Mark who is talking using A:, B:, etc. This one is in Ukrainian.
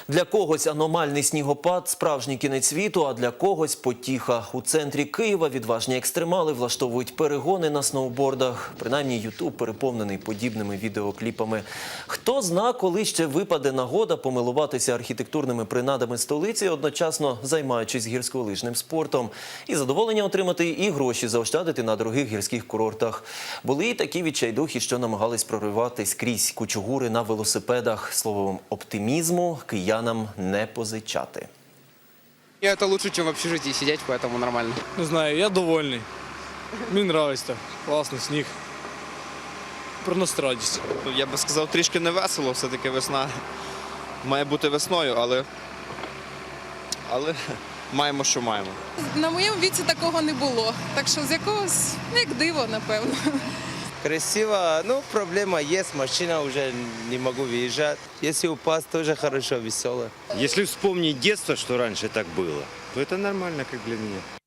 A: Для когось аномальний снігопад – справжній кінець світу, а для когось – потіха. У центрі Києва відважні екстремали влаштовують перегони на сноубордах. Принаймні, Ютуб переповнений подібними відеокліпами. Хто зна, коли ще випаде нагода помилуватися архітектурними принадами столиці, одночасно займаючись гірськолижним спортом. І задоволення отримати, і гроші заощадити на дорогих гірських курортах. Були і такі відчайдухи, що намагались прориватись крізь кучугури на велосипедах. Словом, оптимізму киянам не позичати.
B: Это лучше, чем в общежитии сидеть, поэтому нормально.
C: Не знаю, я довольний. Мені подобається. Класний сніг. Приносить радість.
D: Я би сказав, трішки не весело, все-таки весна має бути весною, але маємо, що маємо.
E: На моєму віці такого не було, так що з якогось, як диво, напевно.
F: Красиво, ну проблема есть, машина уже не могу выезжать. Если упасть, тоже хорошо, весело.
G: Если вспомнить детство, что раньше так было, то это нормально, как для меня.